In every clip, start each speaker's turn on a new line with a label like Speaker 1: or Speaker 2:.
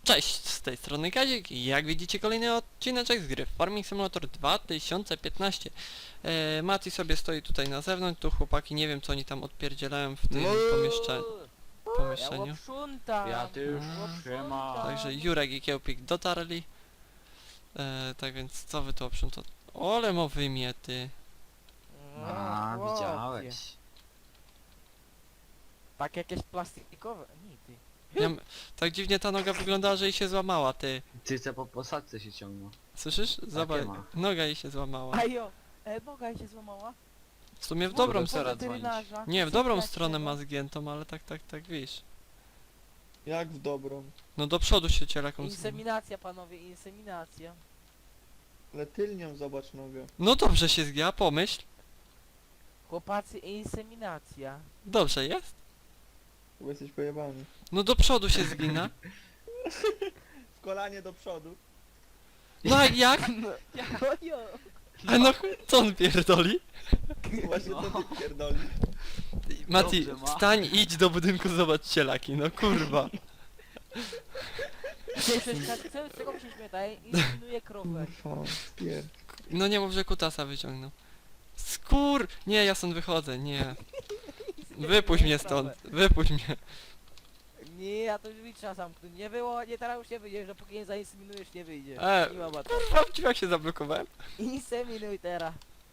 Speaker 1: Cześć, z tej strony Kazik i jak widzicie kolejny odcineczek z gry Farming Simulator 2015. Mati sobie stoi tutaj na zewnątrz, tu chłopaki nie wiem co oni tam odpierdzielają w tym pomieszczeniu.
Speaker 2: Ja sprzątam.
Speaker 3: Ja też siema.
Speaker 1: Także Jurek i Kiełpik dotarli. Tak więc co wy tu oprzątacie? Ole mo wymiety.
Speaker 3: A,
Speaker 2: chłopie.
Speaker 3: widziałeś.
Speaker 2: Tak jakieś plastikowe. Nigdy.
Speaker 1: Tak dziwnie ta noga wyglądała, że jej się złamała, ty.
Speaker 3: Ty co po posadce się ciągną.
Speaker 1: Słyszysz? Zobacz,
Speaker 3: ma.
Speaker 1: noga jej się złamała.
Speaker 2: Ajo, noga jej się złamała.
Speaker 1: W sumie w
Speaker 3: Dobra,
Speaker 1: dobrą
Speaker 3: to
Speaker 1: stronę.
Speaker 3: teraz
Speaker 2: Weterynarza.
Speaker 1: Nie, w dobrą
Speaker 2: Słuchajcie,
Speaker 1: stronę
Speaker 2: no.
Speaker 1: ma zgiętą, ale tak wiesz.
Speaker 4: Jak w dobrą?
Speaker 1: No do przodu się cielaką
Speaker 2: Inseminacja, panowie, inseminacja.
Speaker 4: Ale tylnią zobacz nogę.
Speaker 1: No dobrze się zgięła, pomyśl.
Speaker 2: Chłopacy, inseminacja.
Speaker 1: Dobrze jest.
Speaker 4: Bo jesteś pojebany.
Speaker 1: No do przodu się zgina.
Speaker 4: W kolanie do przodu.
Speaker 1: No a jak?
Speaker 2: Ojo.
Speaker 1: A no co on pierdoli?
Speaker 4: Właśnie to ty pierdoli.
Speaker 1: Mati,
Speaker 3: Dobrze ma.
Speaker 1: wstań, idź do budynku, zobacz cielaki, no kurwa.
Speaker 2: Z czego mi się śmietaj? Inseminuje krowę.
Speaker 4: Kurwa, pier...
Speaker 1: No nie mów, że kutasa wyciągnął. Skur! Nie, ja stąd wychodzę, nie. Wypuść mnie stąd, wypuść mnie.
Speaker 2: Nie, ja to już trzeba zamknąć. Nie było, nie teraz już nie wyjdziesz, dopóki nie zainseminujesz nie wyjdzie. Nie ma bata.
Speaker 1: Kurwa, w drzwiach się zablokowałem.
Speaker 2: Inseminuj teraz.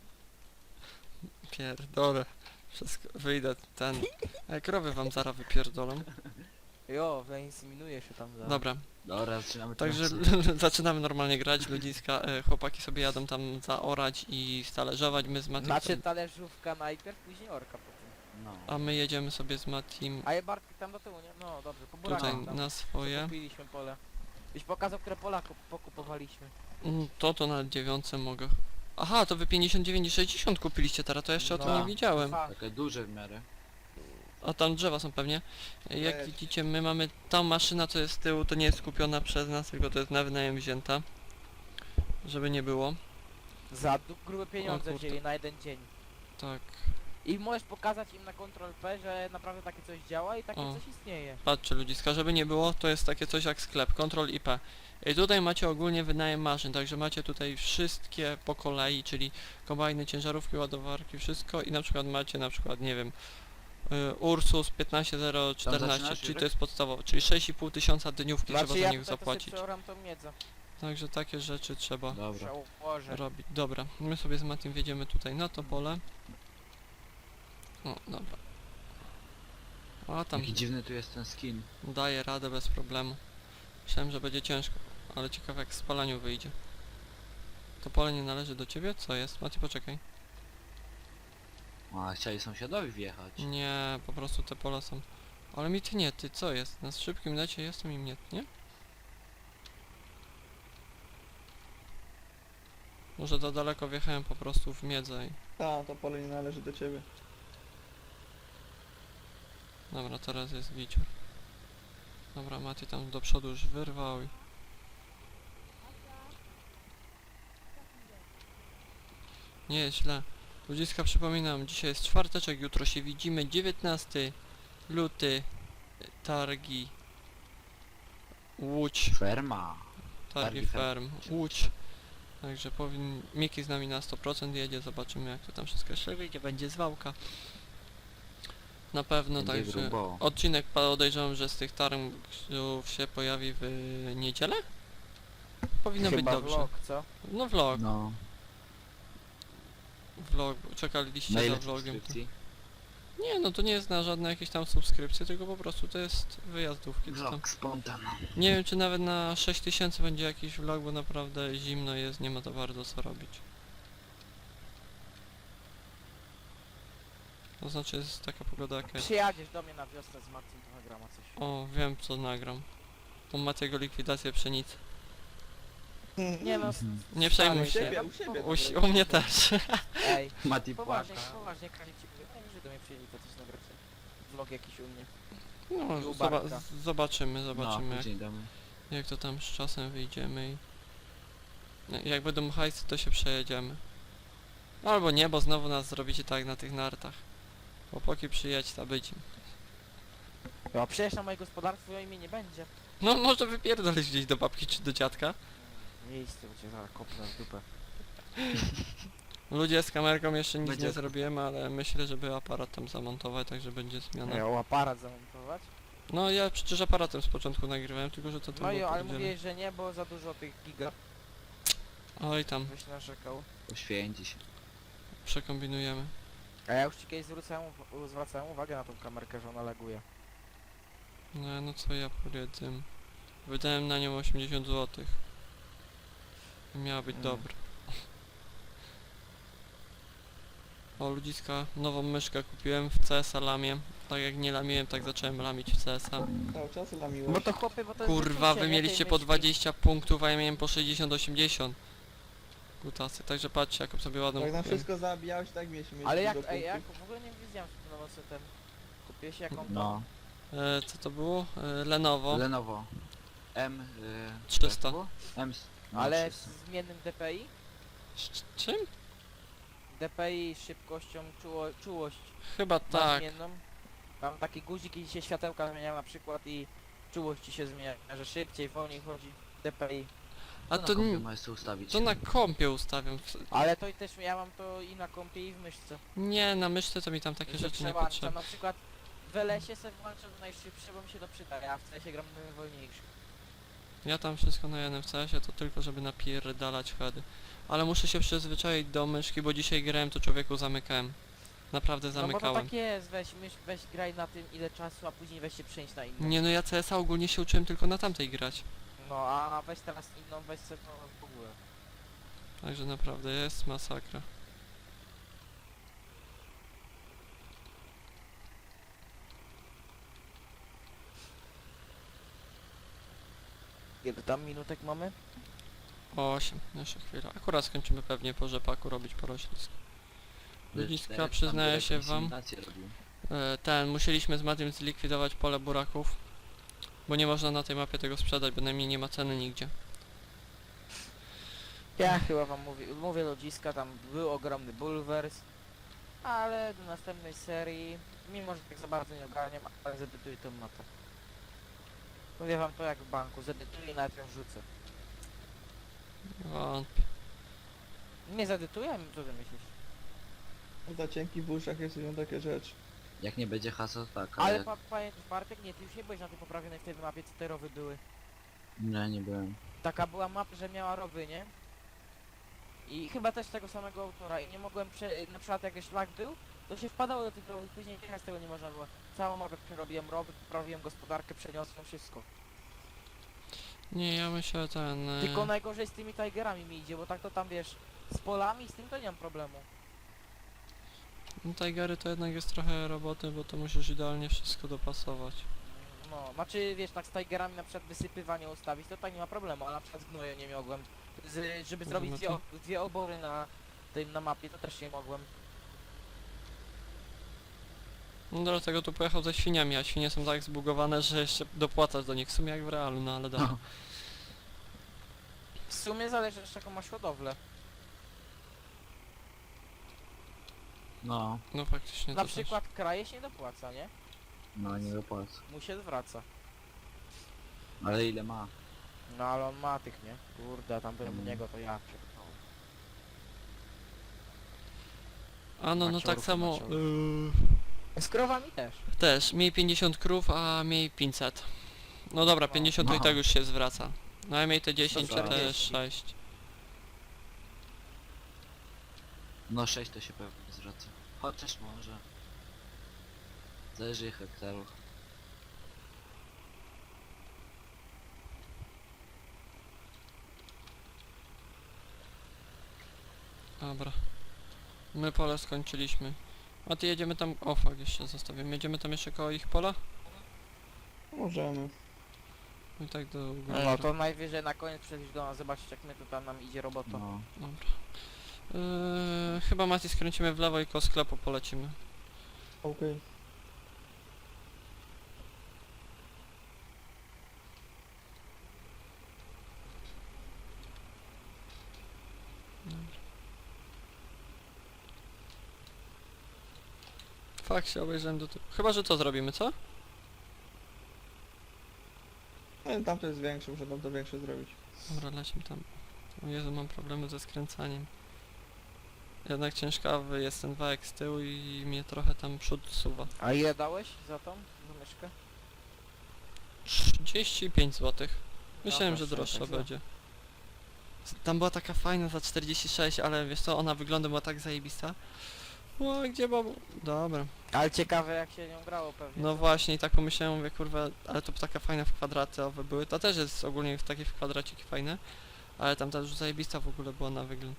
Speaker 1: Pierdolę. Wszystko, wyjdę ten... krowy wam zaraz wypierdolą.
Speaker 2: Jo, zainseminuje się tam za.
Speaker 1: Dobra,
Speaker 3: Dobra, zaczynamy
Speaker 1: także
Speaker 3: teraz.
Speaker 1: zaczynamy normalnie grać, ludziska, chłopaki sobie jadą tam zaorać i stalerzować, my z Matim,
Speaker 2: Znaczy talerzówka najpierw, później orka potem.
Speaker 3: No.
Speaker 1: a my jedziemy sobie z Matim
Speaker 2: A je Bartek tam do tyłu, nie? No dobrze, po
Speaker 1: tutaj
Speaker 2: burakach tam.
Speaker 1: na swoje.
Speaker 2: Kupiliśmy pole. Byś pokazał, które pola pokupowaliśmy.
Speaker 1: To na 9 mogę. Aha, to wy 59 i 60 kupiliście teraz, to jeszcze o tym
Speaker 2: No.
Speaker 1: nie widziałem.
Speaker 2: Dwa.
Speaker 3: Takie duże w miarę.
Speaker 1: A tam drzewa są pewnie. Jak
Speaker 4: Też.
Speaker 1: widzicie, my mamy tą maszyna, co jest z tyłu, to nie jest kupiona przez nas, tylko to jest na wynajem wzięta. Żeby nie było.
Speaker 2: Za grube pieniądze
Speaker 1: O kurde.
Speaker 2: wzięli na jeden dzień.
Speaker 1: Tak.
Speaker 2: I możesz pokazać im na Ctrl P, że naprawdę takie coś działa i takie
Speaker 1: O.
Speaker 2: coś istnieje.
Speaker 1: Patrzcie ludziska, żeby nie było, to jest takie coś jak sklep, Ctrl IP. I tutaj macie ogólnie wynajem maszyn, także macie tutaj wszystkie po kolei, czyli kombajny, ciężarówki, ładowarki, wszystko i na przykład macie na przykład, nie wiem, Ursus
Speaker 3: Tam
Speaker 1: 15014,
Speaker 3: zaczynasz,
Speaker 1: czyli
Speaker 3: Jurek?
Speaker 1: to jest podstawowe, czyli 6,5 tysiąca dniówki trzeba
Speaker 2: Znaczy
Speaker 1: za
Speaker 2: ja
Speaker 1: nich
Speaker 2: tutaj to sobie
Speaker 1: zapłacić.
Speaker 2: przeoram tą miedzę.
Speaker 1: Także takie rzeczy trzeba
Speaker 3: Dobra.
Speaker 2: Przełożę.
Speaker 1: robić. Dobra, my sobie z Matim wjedziemy tutaj na to pole. O, dobra. A tam
Speaker 3: Jaki dziwny tu jest ten skin.
Speaker 1: daje radę bez problemu. Myślałem, że będzie ciężko, ale ciekawe jak w spalaniu wyjdzie. To pole nie należy do ciebie? Co jest? Mati, poczekaj.
Speaker 3: A, chcieli sąsiadowi wjechać.
Speaker 1: Nie, po prostu te pola są... Ale mi tnie, ty co jest? Na szybkim lecie jestem i mnie tnie? Może za daleko wjechałem po prostu w miedzę i...
Speaker 4: Ta, to pole nie należy do ciebie.
Speaker 1: Dobra, teraz jest gicior. Dobra, Mati tam do przodu już wyrwał i... Nie jest źle. Ludziska, przypominam, dzisiaj jest czwarteczek, jutro się widzimy, 19 luty, targi, Łódź,
Speaker 3: Ferma.
Speaker 1: targi
Speaker 3: Targi
Speaker 1: ferm, Łódź. Także Miki z nami na 100% jedzie, zobaczymy jak to tam wszystko się wyjdzie, będzie zwałka. Na pewno,
Speaker 3: Będzie
Speaker 1: także
Speaker 3: grubo.
Speaker 1: odcinek podejrzewam, że z tych targów się pojawi w niedzielę? Powinno być
Speaker 2: Chyba
Speaker 1: dobrze.
Speaker 2: vlog, co?
Speaker 1: No vlog,
Speaker 3: No.
Speaker 1: vlog, czekaliście
Speaker 3: Na
Speaker 1: za
Speaker 3: ile
Speaker 1: vlogiem.
Speaker 3: subskrypcji?
Speaker 1: Nie, no to nie jest na żadne jakieś tam subskrypcje, tylko po prostu to jest wyjazdówki. To tam.
Speaker 3: Vlog spontan.
Speaker 1: Nie wiem, czy nawet na 6000 będzie jakiś vlog, bo naprawdę zimno jest, nie ma to bardzo co robić. To znaczy jest taka pogoda jaka jest.
Speaker 2: Przyjadziesz do mnie na wiosnę z Marcin, to nagrama coś.
Speaker 1: O, wiem co nagram. Tą Matiego likwidację pszenicy.
Speaker 2: Nie no,
Speaker 3: Mhm.
Speaker 1: Nie przejmuj
Speaker 4: U
Speaker 1: się.
Speaker 4: siebie, u siebie.
Speaker 1: U mnie też.
Speaker 2: ej.
Speaker 3: Mati
Speaker 2: Poważnie,
Speaker 3: płaka.
Speaker 2: poważnie, Kali ci mówię, ej, że do mnie przyjęli, to coś nagracie. Vlog jakiś u mnie.
Speaker 1: No,
Speaker 2: U Bartka.
Speaker 1: zobaczymy,
Speaker 3: No,
Speaker 1: jak,
Speaker 3: później damy.
Speaker 1: jak to tam z czasem wyjdziemy i... Jak będą hajsy, to się przejedziemy. Albo nie, bo znowu nas zrobicie tak na tych nartach. Chłopaki przyjedź, ta być.
Speaker 2: No przecież na moje gospodarstwo imię nie będzie.
Speaker 1: No może wypierdolić gdzieś do babki czy do dziadka.
Speaker 2: Miejsce, bo cię zaraz kopnę w dupę.
Speaker 1: Ludzie z kamerką jeszcze nic
Speaker 3: Będzie-
Speaker 1: nie zrobiłem, ale myślę, żeby aparat tam zamontować, także będzie zmiana.
Speaker 2: Miał aparat zamontować.
Speaker 1: No ja przecież aparatem z początku nagrywałem, tylko że to tam
Speaker 2: No
Speaker 1: było
Speaker 2: i ale
Speaker 1: pierdziele.
Speaker 2: mówiłeś, że nie, bo za dużo tych giga
Speaker 1: Oj tam,
Speaker 2: byś narzekał.
Speaker 3: Poświęci się.
Speaker 1: przekombinujemy.
Speaker 2: A ja już ci kiedyś zwracałem uwagę na tą kamerkę, że ona laguje.
Speaker 1: No co ja powiedzę. Wydałem na nią 80 zł. Miała być dobra. O ludziska, nową myszkę kupiłem w CS-a lamię. Tak jak nie lamiłem, tak zacząłem lamić w CS-a.
Speaker 4: Cały czas lamiłeś.
Speaker 2: Bo to chłopy, bo to jest
Speaker 1: Kurwa,
Speaker 2: wyczucie,
Speaker 1: wy
Speaker 2: nie,
Speaker 1: mieliście
Speaker 2: tej
Speaker 1: po
Speaker 2: myśli.
Speaker 1: 20 punktów, a ja miałem po 60-80. Kutasy, także patrzcie jaką sobie ładną
Speaker 4: Jak nam
Speaker 1: kupiłem.
Speaker 4: wszystko zabijałeś, tak mieliśmy mieć
Speaker 2: Ale
Speaker 4: dużo
Speaker 2: jak,
Speaker 4: punktów.
Speaker 2: jak, w ogóle nie wiedziałem, że to nowocy ten... Kupiłeś jaką to?
Speaker 3: No.
Speaker 1: Co to było? Lenovo.
Speaker 3: Lenovo. M...
Speaker 1: 300.
Speaker 3: jak to było? M... no,
Speaker 2: Ale
Speaker 3: 300.
Speaker 2: z zmiennym DPI?
Speaker 1: Czym?
Speaker 2: DPI z szybkością, czułość
Speaker 1: Chyba
Speaker 2: ma
Speaker 1: tak.
Speaker 2: zmienną. Mam taki guzik i się światełka zmieniają na przykład i czułość ci się zmienia, że szybciej, wolniej chodzi DPI.
Speaker 1: A
Speaker 3: na
Speaker 1: to,
Speaker 3: kompie możesz sobie ustawić.
Speaker 1: to na kompie ustawiam.
Speaker 2: Ale to i też ja mam to i na kompie i w myszce.
Speaker 1: Nie, na myszce to mi tam takie
Speaker 2: Że
Speaker 1: rzeczy nie
Speaker 2: przełączam,
Speaker 1: potrzebne.
Speaker 2: na przykład w LS-ie sobie włączam najszybsze, bo mi się to przyda, a w CS gram wolniejszy.
Speaker 1: Ja tam wszystko na jednym w CS-ie, to tylko żeby napierdalać heady. Ale muszę się przyzwyczaić do myszki, bo dzisiaj grałem, to człowieku zamykałem. Naprawdę
Speaker 2: No bo to
Speaker 1: zamykałem.
Speaker 2: tak jest, weź graj na tym ile czasu, a później weź się przenieść na inną.
Speaker 1: Nie no, ja CS-a ogólnie się uczyłem tylko na tamtej grać.
Speaker 2: No a weź teraz inną, weź sobie to w ogóle.
Speaker 1: Także naprawdę jest masakra.
Speaker 2: Ile tam minutek mamy?
Speaker 1: 8, jeszcze chwilę. Akurat skończymy pewnie po rzepaku robić poroślisko. Ludziska,
Speaker 3: Czterech, tam
Speaker 1: przyznaję
Speaker 3: Durek
Speaker 1: się wam.
Speaker 3: inseminację robił.
Speaker 1: Musieliśmy z Matiem zlikwidować pole buraków. Bo nie można na tej mapie tego sprzedać, bynajmniej nie ma ceny nigdzie.
Speaker 2: Ja chyba wam mówię ludziska, tam był ogromny bulwers. Ale do następnej serii, mimo że tak za bardzo nie ogarniam, ale zedytuję tą mapę. Mówię wam to jak w banku, zedytuję i nawet ją rzucę.
Speaker 1: Wątpię.
Speaker 2: Nie zedytuję? Co ty myślisz?
Speaker 4: Za cienki w uszach jest robią takie rzeczy.
Speaker 3: Jak nie będzie hasła, to tak,
Speaker 2: Ale
Speaker 3: jak...
Speaker 2: pamiętasz Bartek? Nie, ty już nie byłeś na tej poprawionej wtedy mapie, co te rowy były.
Speaker 3: Nie byłem.
Speaker 2: Taka była mapa, że miała rowy, nie? I chyba też tego samego autora i nie mogłem na przykład jak szlak był, to się wpadało do tych rowów, później jechać tego nie można było. Całą mapę przerobiłem rowy, poprawiłem gospodarkę, przeniosłem wszystko.
Speaker 1: Nie, ja myślę ten...
Speaker 2: Tylko najgorzej z tymi Tigerami mi idzie, bo tak to tam wiesz, z polami, z tym to nie mam problemu.
Speaker 1: No Tigery to jednak jest trochę roboty, bo to musisz idealnie wszystko dopasować.
Speaker 2: No, znaczy wiesz, tak z Tigerami na przykład wysypywanie ustawić, to tak nie ma problemu, ale na przykład z gnojem nie mogłem. Żeby zrobić dwie obory na mapie, to też nie mogłem.
Speaker 1: No dlatego tu pojechał ze świniami, a świnie są tak zbugowane, że jeszcze dopłacasz do nich w sumie jak w realu, no ale dobra.
Speaker 2: W sumie zależy też jaką masz hodowlę.
Speaker 3: No,
Speaker 1: No faktycznie
Speaker 2: Na
Speaker 1: to
Speaker 2: przykład kraje się nie dopłaca, nie?
Speaker 3: no nie dopłacę.
Speaker 2: Mu się zwraca.
Speaker 3: Ale ile ma?
Speaker 2: No ale on ma tych, nie? Kurde, a tam byłem u
Speaker 3: Mm.
Speaker 2: niego, to ja pierdolę.
Speaker 1: też. A no tak
Speaker 2: Maciorów,
Speaker 1: samo...
Speaker 2: maciorów. Z krowami też.
Speaker 1: Też, miej 50 krów, a miej 500. No dobra,
Speaker 2: No.
Speaker 1: 50 to i
Speaker 3: No.
Speaker 1: tak już się zwraca. No a miej te 10,
Speaker 3: za
Speaker 1: czy te
Speaker 2: 40.
Speaker 1: 6.
Speaker 3: No 6 to się pewnie zwraca. Chociaż może. Zależy hektarów.
Speaker 1: Dobra. My pole skończyliśmy. A ty jedziemy tam... O fuck, jeszcze zostawiam. Jedziemy tam jeszcze koło ich pola?
Speaker 4: Możemy.
Speaker 1: I tak do góry.
Speaker 2: No to najwyżej na koniec przyjdziesz do nas zobaczyć jak my to tam nam idzie robota.
Speaker 3: No.
Speaker 1: Dobra. Chyba Mati skręcimy w lewo i koło sklepu polecimy.
Speaker 4: Okej.
Speaker 1: Fakt się obejrzałem do tyłu. Chyba, że to zrobimy, co?
Speaker 4: Nie, tam to jest większe, muszę tam to większe zrobić.
Speaker 1: Dobra, lecimy tam. O Jezu, mam problemy ze skręcaniem. Jednak ciężkawy jest ten wałek z tyłu i mnie trochę tam przód suwa.
Speaker 2: A ile dałeś za tą myszkę?
Speaker 1: 35 zł. Myślałem,
Speaker 2: No
Speaker 1: że
Speaker 2: proszę,
Speaker 1: droższa
Speaker 2: tak za.
Speaker 1: będzie. Tam była taka fajna za 46, ale wiesz co, ona wygląda była tak zajebista. O, gdzie babu? Dobra.
Speaker 2: Ale ciekawe jak się nią grało pewnie.
Speaker 1: No
Speaker 2: co?
Speaker 1: właśnie i tak pomyślałem, mówię kurwa, ale to taka fajna w kwadratowe były. To też jest ogólnie w takie w kwadraciki fajne. Ale tam ta już zajebista w ogóle była na wygląd.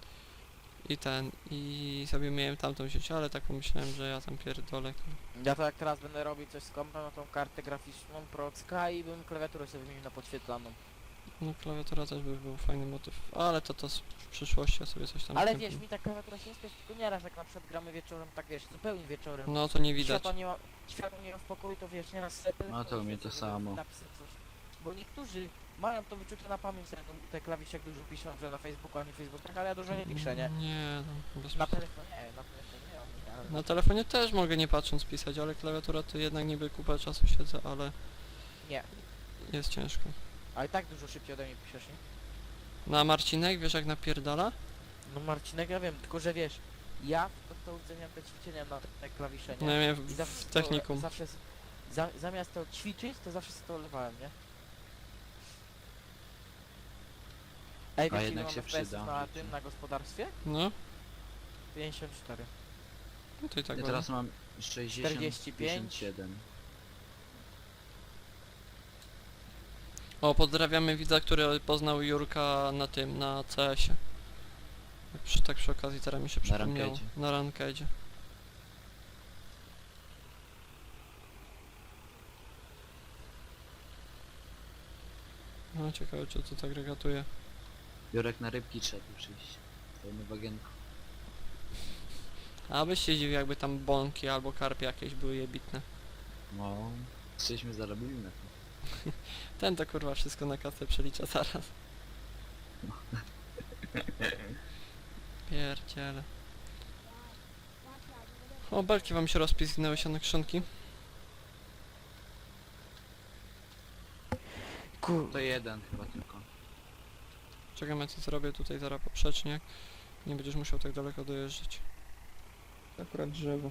Speaker 1: I sobie miałem tamtą sieć, ale tak pomyślałem, że ja tam pierdolę.
Speaker 2: Ja to jak teraz będę robił coś z kompem, no tą kartę graficzną Procka i bym klawiaturę sobie wymienił na podświetlaną.
Speaker 1: No klawiatura też by był fajny motyw, ale to w przyszłości ja sobie coś tam
Speaker 2: Ale
Speaker 1: kupię.
Speaker 2: wiesz, mi ta klawiatura się nie spiesz, tylko nieraz jak na przykład gramy wieczorem, tak wiesz, zupełnie wieczorem.
Speaker 1: No to nie widać.
Speaker 2: Światła nie ma w pokoju, to wiesz, nieraz sobie
Speaker 3: No to u mnie to samo.
Speaker 2: napisać coś. Bo niektórzy mają to wyczucie na pamięć, te klawisze jak dużo piszą, że na Facebooku, a nie Facebookach, ale ja dużo nie piszę, nie?
Speaker 1: Nie, no, bez...
Speaker 2: Na telefonie nie, na telefonie nie, ale...
Speaker 1: Na telefonie też mogę nie patrząc pisać, ale klawiatura to jednak niby kupę czasu siedzę, ale
Speaker 2: Nie,
Speaker 1: jest ciężko.
Speaker 2: ale tak dużo szybciej ode mnie piszesz, nie?
Speaker 1: Na Marcinek, wiesz jak napierdala?
Speaker 2: No Marcinek, ja wiem, tylko że wiesz, ja w podstawówce miałem te ćwiczenia na te klawisze,
Speaker 1: No
Speaker 2: nie?
Speaker 1: ja miałem
Speaker 2: I zawsze
Speaker 1: w
Speaker 2: to-
Speaker 1: technikum.
Speaker 2: Zawsze, zamiast to ćwiczyć, to zawsze sobie to olewałem, nie? Ej, wiesz, ile
Speaker 3: jednak
Speaker 2: mam
Speaker 3: się
Speaker 2: FPS-ów
Speaker 3: przyda.
Speaker 2: na tym, na gospodarstwie?
Speaker 1: No,
Speaker 2: 54.
Speaker 1: no to i tak
Speaker 3: Ja
Speaker 1: ładnie.
Speaker 3: teraz mam 60,
Speaker 2: 45.
Speaker 3: 57.
Speaker 1: O, pozdrawiamy widza, który poznał Jurka na tym, na CS-ie. Tak przy okazji teraz mi się przypomniało.
Speaker 3: rankedzie.
Speaker 1: Na rankedzie. No ciekawe czy to tak regatuje.
Speaker 3: Jurek na rybki trzeba tu przyjść. Pełny wagienku.
Speaker 1: A byś się dziwił jakby tam bąki albo karpie jakieś były jebitne.
Speaker 3: No, żeśmy zarobili na tym.
Speaker 1: Ten to kurwa wszystko na kasę przelicza zaraz. Pierdziele. O, belki wam się rozpizgnęły się na krzonki.
Speaker 2: Kur...
Speaker 3: To jeden chyba tylko.
Speaker 1: Czekam, ja co zrobię tutaj zaraz poprzeczniak. Nie będziesz musiał tak daleko dojeżdżać.
Speaker 4: Akurat drzewo.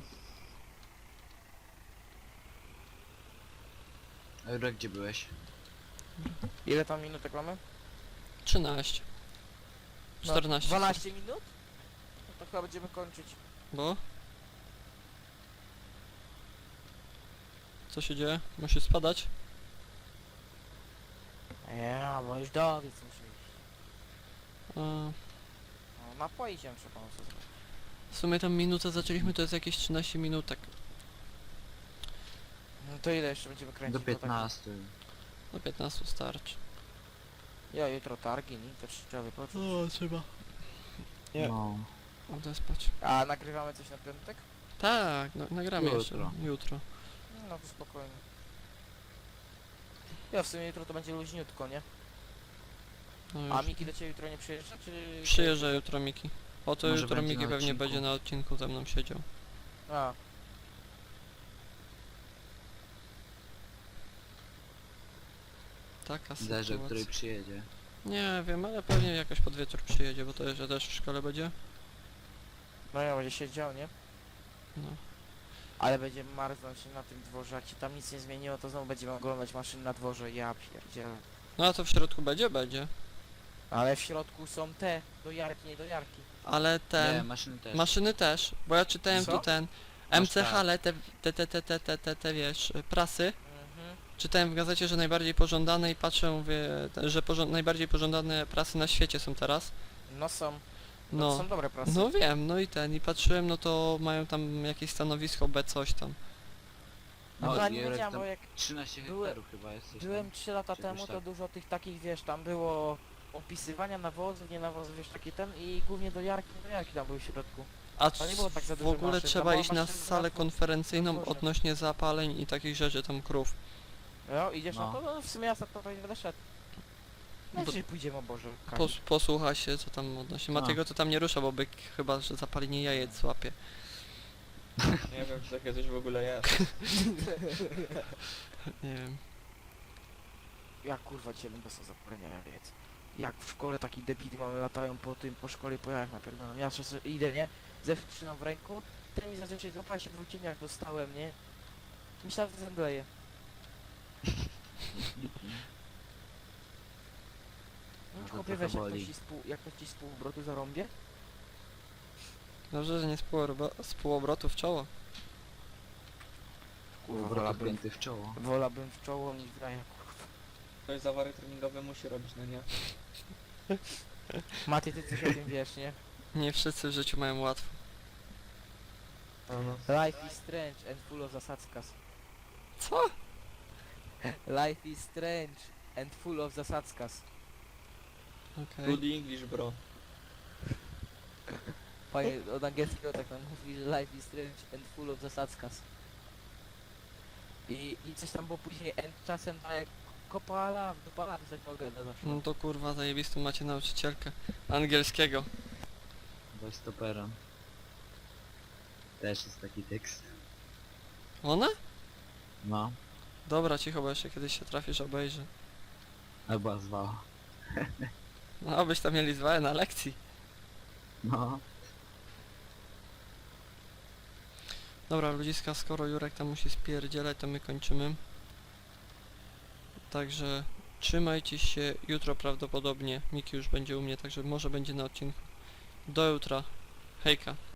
Speaker 3: A Jurek, gdzie byłeś?
Speaker 2: Ile tam minutek mamy?
Speaker 1: 13.
Speaker 2: No,
Speaker 1: 14.
Speaker 2: 12 minut? No to chyba będziemy kończyć.
Speaker 1: Bo? Co się dzieje? Musi spadać?
Speaker 2: Ja, bo już do wiec muszę iść.
Speaker 1: A,
Speaker 2: No, napoi się trzeba co zrobić.
Speaker 1: w sumie tam minutę zaczęliśmy, to jest jakieś 13 minutek.
Speaker 2: No to ile jeszcze będziemy kręcić?
Speaker 3: Do
Speaker 2: Bo tak-
Speaker 3: 15.
Speaker 1: Do 15 starczy.
Speaker 2: Ja jutro targi, nie? To trzeba wypocząć.
Speaker 1: O, trzeba.
Speaker 4: Nie.
Speaker 3: No.
Speaker 1: Odespać.
Speaker 2: A nagrywamy coś na piątek?
Speaker 1: Tak, no, nagramy jeszcze.
Speaker 3: Jutro.
Speaker 1: Jutro.
Speaker 2: No to spokojnie. Ja w sumie jutro to będzie luźniutko, nie?
Speaker 1: No
Speaker 2: A
Speaker 1: już.
Speaker 2: Miki do ciebie jutro nie przyjeżdża, czy...
Speaker 1: Przyjeżdża jutro Miki. O to
Speaker 3: Może
Speaker 1: jutro
Speaker 3: będzie
Speaker 1: Miki
Speaker 3: na
Speaker 1: pewnie
Speaker 3: odcinku.
Speaker 1: będzie na odcinku ze mną siedział.
Speaker 2: A,
Speaker 1: Taka
Speaker 3: Zależy, o której
Speaker 1: sytuacja.
Speaker 3: przyjedzie.
Speaker 1: Nie wiem, ale pewnie jakoś pod wieczór przyjedzie, bo to jeszcze też w szkole będzie.
Speaker 2: no ja będzie siedział, nie?
Speaker 1: No.
Speaker 2: Ale będziemy marznąć na tym dworze, jak się tam nic nie zmieniło, to znowu będziemy oglądać maszyny na dworze, ja pierdzielę.
Speaker 1: No a to w środku będzie? Będzie.
Speaker 2: Ale w środku są te dojarki, nie dojarki.
Speaker 1: Ale
Speaker 3: Nie,
Speaker 1: ten...
Speaker 3: maszyny też.
Speaker 1: Maszyny też, bo ja czytałem
Speaker 2: Co?
Speaker 1: tu ten...
Speaker 3: Masz
Speaker 1: MCH,
Speaker 3: tak.
Speaker 1: ale te wiesz, prasy.
Speaker 2: Mhm.
Speaker 1: Czytałem w gazecie, że najbardziej pożądane i patrzę, mówię, że najbardziej pożądane prasy na świecie są teraz.
Speaker 2: No są. No. To
Speaker 1: No.
Speaker 2: są dobre prasy.
Speaker 1: No wiem, no i patrzyłem, no to mają tam jakieś stanowisko B coś tam.
Speaker 2: No to ja nie
Speaker 3: Jurek
Speaker 2: wiedziałem,
Speaker 3: tam
Speaker 2: bo jak
Speaker 3: 13
Speaker 2: były-
Speaker 3: hektarów chyba jest coś
Speaker 2: byłem
Speaker 3: tam.
Speaker 2: 3 lata
Speaker 3: Czy
Speaker 2: temu,
Speaker 3: jakoś
Speaker 2: to
Speaker 3: tak.
Speaker 2: dużo tych takich, wiesz, tam było opisywania nawozów, nie nawozów, wiesz, taki ten i głównie dojarki tam były w środku.
Speaker 1: A
Speaker 2: To nie było tak za
Speaker 1: w
Speaker 2: dużo
Speaker 1: ogóle
Speaker 2: maszyn,
Speaker 1: trzeba
Speaker 2: tam
Speaker 1: iść
Speaker 2: była
Speaker 1: na
Speaker 2: maszyna
Speaker 1: salę
Speaker 2: na dwóch-
Speaker 1: konferencyjną
Speaker 2: na dworze.
Speaker 1: odnośnie zapaleń i takich rzeczy tam krów.
Speaker 2: No, idziesz
Speaker 3: No.
Speaker 2: na to? No w sumie ja za to nie będę szedł. No
Speaker 1: Bo-
Speaker 2: dzisiaj pójdziemy, o Boże. Kamil.
Speaker 1: Posłucha się co tam odnośnie.
Speaker 3: A.
Speaker 1: Matiego to tam nie rusza, bo byk chyba, że zapalenie jajec łapie.
Speaker 4: Nie wiem, czy takie coś w ogóle jest.
Speaker 1: Nie wiem.
Speaker 2: Ja kurwa dzisiaj będę sobie zapomniałem wiedz. Jak w szkole taki debity mamy latają po szkole po jajach napierdalam. Ja sobie idę, nie? Zewsząd trzymam w ręku, ten mi zazwyczaj złapała się w cieniach dostałem, nie? Myślałem, że zemdleję. No
Speaker 3: No to
Speaker 2: chłopie,
Speaker 3: trochę
Speaker 2: weź, jak
Speaker 3: boli.
Speaker 2: jak ktoś ci z półobrotu zarąbie?
Speaker 1: Dobrze, że nie z półobrotu w czoło.
Speaker 2: Kurwa,
Speaker 3: Kurwa,
Speaker 2: wolałbym,
Speaker 3: pięty w czoło.
Speaker 2: wolałbym w czoło niż w ramię, kurwa.
Speaker 4: Ktoś zawary treningowe musi robić, no nie?
Speaker 2: Maty, ty coś o tym wiesz, nie?
Speaker 1: Nie wszyscy w życiu mają łatwo.
Speaker 4: No.
Speaker 2: Life is strange and full of zasadzkas.
Speaker 1: Co?
Speaker 2: Life is strange and full of zasadzkas.
Speaker 1: Okej.
Speaker 4: Good English, bro.
Speaker 2: Fajnie, od angielskiego tak nam mówi, że life is strange and full of zasadzkas. I coś tam było później, and czasem daje kopala, dopala, pisać mogę na zawsze.
Speaker 1: No to kurwa zajebistą macie nauczycielkę angielskiego.
Speaker 3: Weź stoperem. Też jest taki tekst.
Speaker 1: Ona?
Speaker 3: No.
Speaker 1: Dobra, cicho, bo jeszcze kiedyś się trafisz, obejrzy.
Speaker 3: Albo zwała.
Speaker 1: No, abyś tam mieli złe na lekcji.
Speaker 3: No.
Speaker 1: Dobra, ludziska, skoro Jurek tam musi spierdzielać, to my kończymy. Także trzymajcie się, jutro prawdopodobnie Miki już będzie u mnie, także może będzie na odcinku. Do jutra. Hejka.